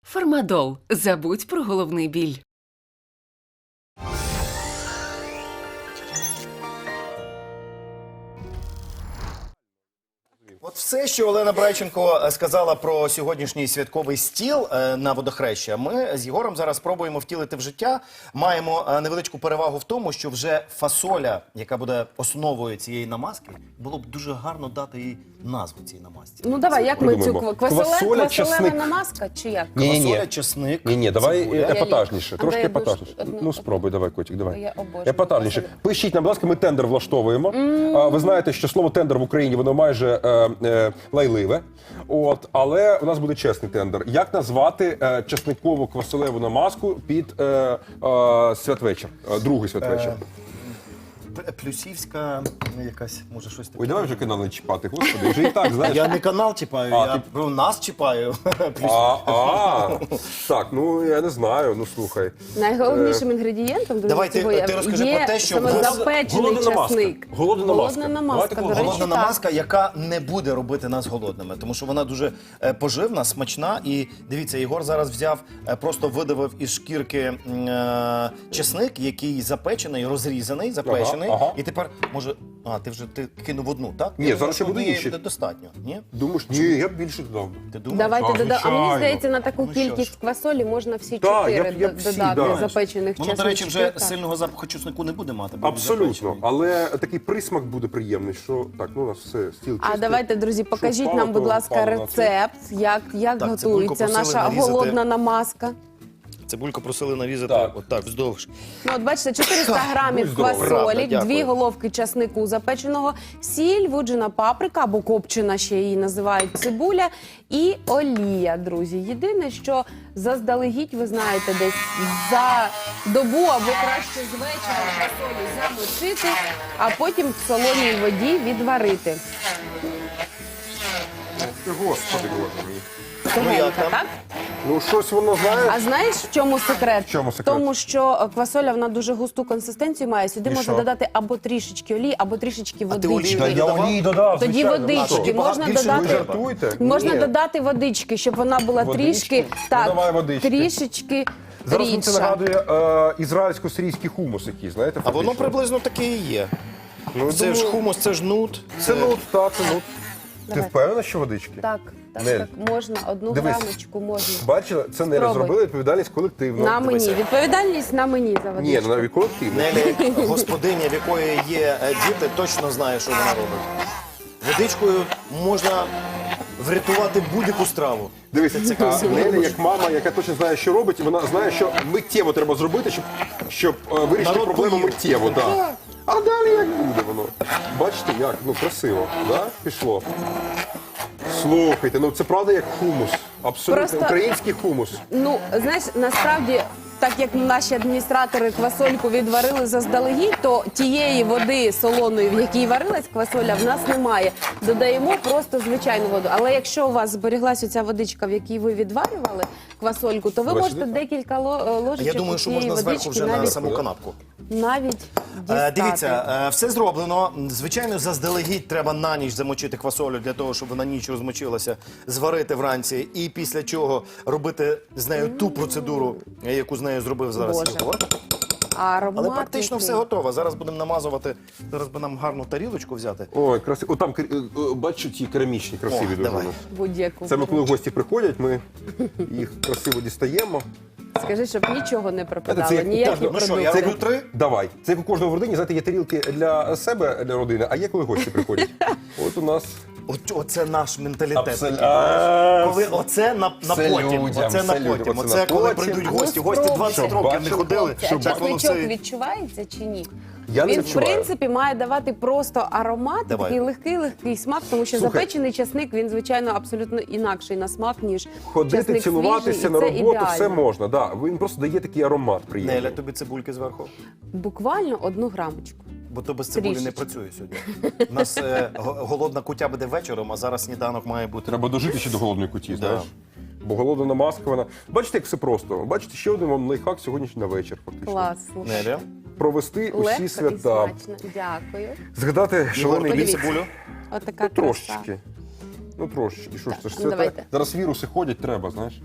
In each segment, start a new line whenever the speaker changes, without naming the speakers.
Фармадол. Забудь про головний біль.
От все, що Олена Брайченко сказала про сьогоднішній святковий стіл на Водохреща, ми з Єгором зараз спробуємо втілити в життя. Маємо невеличку перевагу в тому, що вже фасоля, яка буде основою цієї намазки, було б дуже гарно дати їй назву цій намазці.
Ну давай, як ми цю
Придумаємо.
квасолева
часник.
намазка чи як?
Квасоля, чесник,
Ні, давай
цибуля.
епатажніше,
А
трошки
дай одну
епатажніше.
одну-
Ну спробуй, давай, котик, давай.
Я обожнюю
Епатажніше.
квасолю.
Пишіть нам, будь ласка, ми тендер влаштовуємо. Ви знаєте, що слово тендер в Україні, воно майже лайливе. От, але у нас буде чесний тендер. Як назвати чесникову квасолеву намазку під святвечір, другий святвечір?
Плюсівська якась, може щось таке.
Ой, давай вже канал не чіпати, господи, вже і так, знаєш.
Я не канал чіпаю,
А,
я
ти-
про нас чіпаю.
Так, ну я не знаю, ну слухай.
Найголовнішим інгредієнтом, друзі,
Давай,
цього
ти розкажи
є
про те, що
саме
голодна-
запечений часник.
Голодна намазка.
Голодна намазка,
Давайте
до речі,
Голодна
так.
намазка, яка не буде робити нас голодними, тому що вона дуже поживна, смачна. І дивіться, Єгор зараз взяв, просто видавив із шкірки чесник, який запечений, розрізаний, запечений.
Ага.
І тепер, може, ти кинув одну, так?
Ні,
Я
зараз ще
думаю,
буде
однієї
інші.
буде достатньо, ні?
Думаєш, ні, я б більше додав.
Ти думаєш?
Давайте додамо. А мені
звичайно.
здається, на таку
Ну, що
кількість
ж.
квасолі можна всі
Так,
чотири
я б всі,
додати
да.
запечених
Воно, до речі, вже
чесничків, так.
сильного запаху чеснику не буде мати. бо він
Абсолютно,
запечений.
але такий присмак буде приємний, що так, ну у нас все, стіл
А
чистий.
давайте, друзі, покажіть
впало,
нам, будь
то
ласка,
впало на це.
рецепт, як
Так, цибульку
готується
просили
наша
нарізати.
голодна намазка.
Цибульку просили нарізати
Так.
отак, вздовж.
Ну, от бачите, 400 грамів
будь здоров.
квасолі,
Правда, дякую.
2 головки часнику запеченого, сіль, вуджена паприка або копчена, ще її називають цибуля, і олія, друзі. Єдине, що заздалегідь, ви знаєте, десь за добу або краще з вечора квасолю замочити, а потім в солоній воді відварити.
Ти, Господи, Боже мій.
Тугенька,
як там?
так?
Ну щось воно, знаєш,
А знаєш, в чому секрет?
В чому секрет?
Тому що квасоля, вона дуже густу консистенцію має. Сюди
І
можна
що?
додати або трішечки олії, або трішечки
А ти олію
водички.
не додавав?
додав,
Тоді
звичайно.
водички.
тоді
Можна
більше
додати,
не
Ви жартуєте?
можна
Ні.
додати водички, щоб вона була
Водички?
трішки,
Ну,
так,
давай водички.
трішечки
Зараз мені це
рідша.
нагадує ізраїльсько-сирійський хумус який, знаєте,
А воно
фактично.
приблизно таке і є.
Ну,
Це ж
думаю,
хумус, це ж нут.
Це нут, так, це нут. Ти
Давай.
впевнена, що водички?
Так, так,
Нель.
так, можна, одну
Дивись.
грамочку можна.
Бачила? Це не
Спробуй.
зробили відповідальність колективно.
На мені.
дивися.
Відповідальність на мені за
Ні,
водичку.
ну навіть колективно.
Неля, як господиня, в якої є діти, точно знає, що вона робить. Водичкою можна врятувати будь-яку страву.
Дивіться,
Це красиво.
Неля, як мама, яка точно знає, що робить, вона знає, що миттєво треба зробити, щоб вирішити
Народ
проблему
поїв.
миттєво. Да. А далі як буде воно? Бачите, як? Ну, красиво. Да? Пішло. Слухайте, ну це правда як хумус. Абсолютно
Просто-
український хумус.
Ну, знаєш, насправді, так як наші адміністратори квасольку відварили заздалегідь, то тієї води солоної, в якій варилась квасоля, в нас немає. Додаємо просто звичайну воду. Але якщо у вас зберіглася ця водичка, в якій ви відварювали квасольку, то ви
Давай
можете
сюди.
декілька ложечок
Я думаю, що
цієї
можна зверху
водички
вже на
навіть,
саму канапку.
навіть дістати.
Дивіться, все зроблено. Звичайно, заздалегідь треба на ніч замочити квасолю для того, щоб вона ніч розмочилася, зварити вранці і після чого робити з нею ту процедуру, яку з нею зробив зараз
Боже.
Єгор.
Аромат
Але практично
який.
все готово. Зараз будемо намазувати. Зараз би нам гарну тарілочку взяти.
Ой, красиво. О, там, бачу, ті керамічні, красиві
О,
дуже.
давай.
вони.
Будь-яку.
Це ми коли гості приходять, ми їх красиво дістаємо.
Скажи, щоб нічого не пропадало,
Це як у
ніякі
кожного-
Ну що,
продукти.
я роблю 3?
Давай. Це як у кожного в родині, знаєте, є тарілки для себе, для родини, а є коли гості приходять. От у нас.
Оце наш менталітет.
Абсолютно.
Коли оце на
Це
потім,
людям,
оце
це
на
людям,
потім.
оце
Оце
на
коли
потім.
прийдуть
Ну,
гості. Гості 20
Щоб
років не
бачили.
ходили.
А
Так воно
часничок
все.
відчувається чи ні?
Я не
Він, в
відчуваю.
принципі, має давати просто аромат,
Давай.
такий легкий смак, тому що
Слухай.
запечений часник, він, звичайно, абсолютно інакший на смак, ніж
Ходити,
часник
цілуватися
свіжий, і
на
це
роботу,
ідеально.
все можна. Да. Він просто дає такий аромат приємний.
Неля, тобі цибульки зверху?
Буквально 1 грамочку.
Бо то без цибулі не
Трішечки.
працює сьогодні. У нас голодна кутя буде вечором, а зараз сніданок має бути.
Треба дожити ще до голодної куті, знаєш. Бо голодна намазка, вона. Бачите, як все просто. Бачите, ще один вам лайфхак сьогодні на вечір, фактично.
Клас. слухай.
Неля,
Провести
Легко
усі
і
свята.
смачно. Дякую.
Згадати
Єгор,
шалений
тобі
бій.
Подивіться.
цибулю?
Отака
Ну,
краса.
трошечки. Ну, трошечки. Що ж це ж
ну,
свята?
давайте.
Зараз віруси ходять, треба, знаєш.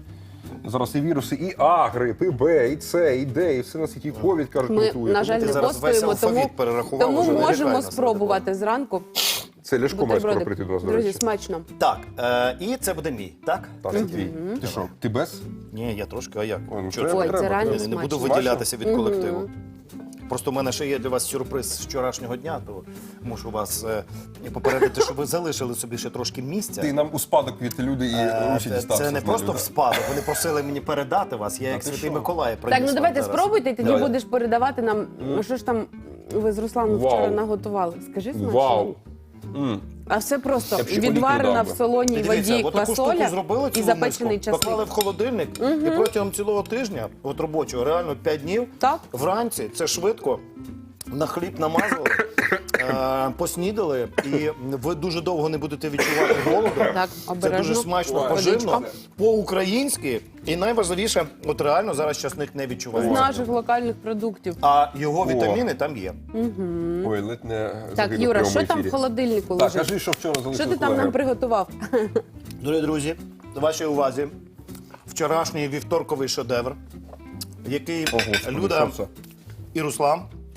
Зараз і віруси, і А, грип, і Б, і С, і Д, і все на світі, і ковід, кажуть,
Ми,
готує.
на жаль,
Ти
не
зараз весь
постуємо,
алфавіт перерахував,
тому
уже не лякай
можемо
нас,
спробувати зранку.
Це Ляшко має скоро
бутерброди.
прийти до нас, до
Друзі,
речі.
смачно.
Так, і це буде мій, так?
Так, це твій. Ти що, ти без?
Ні, я трошки, а як?
Ой, ну
Чого
треба,
Ой, це
треба.
реально
Я не буду
смачно.
виділятися від колективу. Просто в мене ще є для вас сюрприз з вчорашнього дня, то мушу вас попередити, щоб ви залишили собі ще трошки місця.
Ти нам у спадок від люди і Русі дістався.
Це не
з
просто
нею,
в спадок, вони просили мені передати вас, я як
ти
Святий
що?
Миколай приніс
Так, ну
вам
давайте
зараз.
спробуйте, і тоді
Давай.
будеш передавати нам, що ж там ви з Русланом
Вау.
вчора наготували. Скажи
да.
смачно.
Вау.
А все просто
Я б ще
відварена
подібний
в
дав
солоній
І дивіться,
воді
от таку штуку
квасоля
зробили
і
цілу
запечений
миску, поклали
часник.
в холодильник, і протягом цілого тижня, от робочого, реально 5 днів,
Так.
вранці, це швидко, на хліб намазали, поснідали, і ви дуже довго не будете відчувати голоду.
Так,
Це
обережно.
дуже смачно,
Ой,
поживно,
водичка.
по-українськи. І найважливіше, от реально зараз часник не
З
відчувається.
наших локальних продуктів.
А його вітаміни там є.
Ой, ледь не
Так,
загинув
Юра,
в
що
прямому
там в
ефірі.
холодильнику
Так,
лежить?
кажи, що вчора залишили
Що ти там
колеги.
нам приготував?
Дорогі друзі, до вашої увазі, вчорашній вівторковий шедевр, який
Господи,
Люда
що це?
і Руслан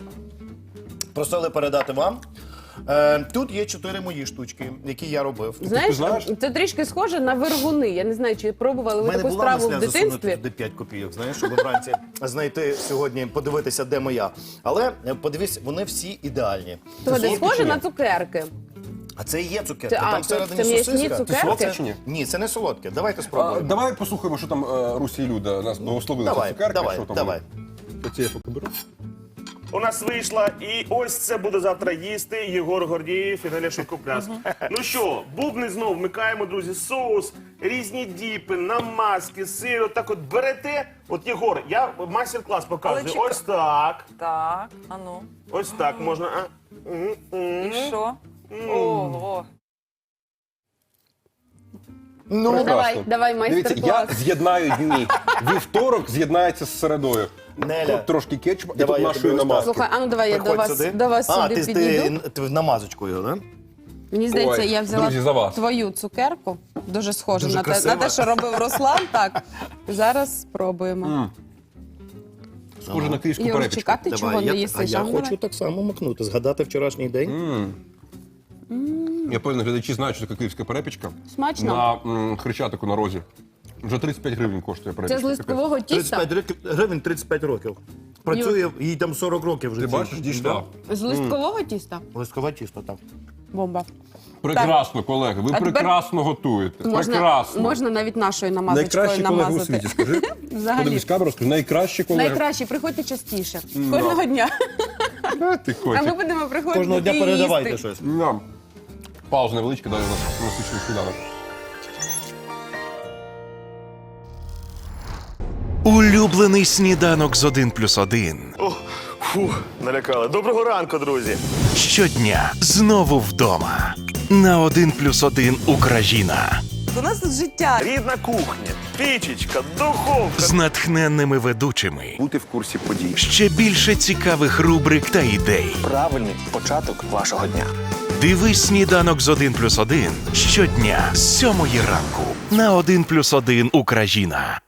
просили передати вам. Тут є 4 мої штучки, які я робив.
Знаєш,
знаєш?
це трішки схоже на вергуни. Я не знаю, чи пробували
У
ви
мене
таку
була
страву в
мисля засунути
дитинстві.
туди 5 копійок, знаєш, щоб вранці знайти сьогодні, подивитися, де моя. Але подивись, вони всі ідеальні.
То
Це
де
солодкі
схоже
чи ні?
на цукерки.
А це і є цукерки,
Це-
там
це
всередині
м'ясні
сосиска.
цукерки?
Солодке чи ні?
Ні, це не солодке. Давайте
А,
спробуємо.
давай послухаємо, що там Русі і Люда нас благословили
Давай,
за цукерки.
давай,
що там
давай.
Оці я поки беру.
У нас вийшла, і ось це буде завтра їсти Єгор Гордієв і Неля Шовкопляс. Ну що, бубни знов вмикаємо, друзі, соус, різні діпи, намазки, сир. Отак от берете. От Єгор, я майстер-клас показую.
Але чекай.
Ось так.
Так, а ну.
Ось так можна.
І що? Ого.
Ну,
Давай, давай,
Дивіться, я
майстер-клас.
з'єднаю дні. Вівторок з'єднається з середою.
Неля.
Тут трошки кетчупа і
Давай,
тут
я
нашої
тобі ось так.
намазки.
Слухай, а ну давай я
Приходь
до вас
А,
сюди
ти
підійду.
в намазочку його, да?
Мені здається,
Ой,
я взяла
друзі, за вас.
твою цукерку. Дуже схоже
Дуже
на
красиво.
те, що робив Руслан. Так, зараз спробуємо.
Схоже на київську
Юрчик,
перепічку.
а ти чого не їсиш?
я
А ну,
хочу
давай.
так само макнути, згадати вчорашній день.
Я певно, глядачі знають, що таке київська перепічка.
Смачно?
На Хрещатику на розі. Вже 35 гривень коштує
Це
перепічка.
з листкового тіста?
35 гривень, 35 років. Працює, їй там 40 років вже.
Ти
цій.
бачиш, дійшла.
З листкового тіста?
Листкове тісто, так.
Бомба.
Прекрасно, колеги. Ви
А тепер
прекрасно готуєте.
Можна,
Прекрасно.
можна навіть нашою намазочкою
Найкращі колеги у
намазати.
світі, скажи.
Взагалі.
Подивись камеру, скажи, найкращі колеги.
Найкраще, приходьте частіше. Кожного дня.
Ти
А ми
котик.
будемо приходити
Кожного дня
і
передавайте
їсти.
щось.
Ням. Пауза невеличка, далі у нас насичений сніданок.
Улюблений сніданок з 1+1.
О, фух, налякали. Доброго ранку, друзі.
Щодня знову вдома. На 1+1 Україна.
У нас тут життя.
Рідна кухня, пічечка, духовка.
З натхненними ведучими.
Бути в курсі подій.
Ще більше цікавих рубрик та ідей.
Правильний початок вашого дня.
Дивись сніданок з 1+1 щодня з 7 ранку. На 1+1 Україна.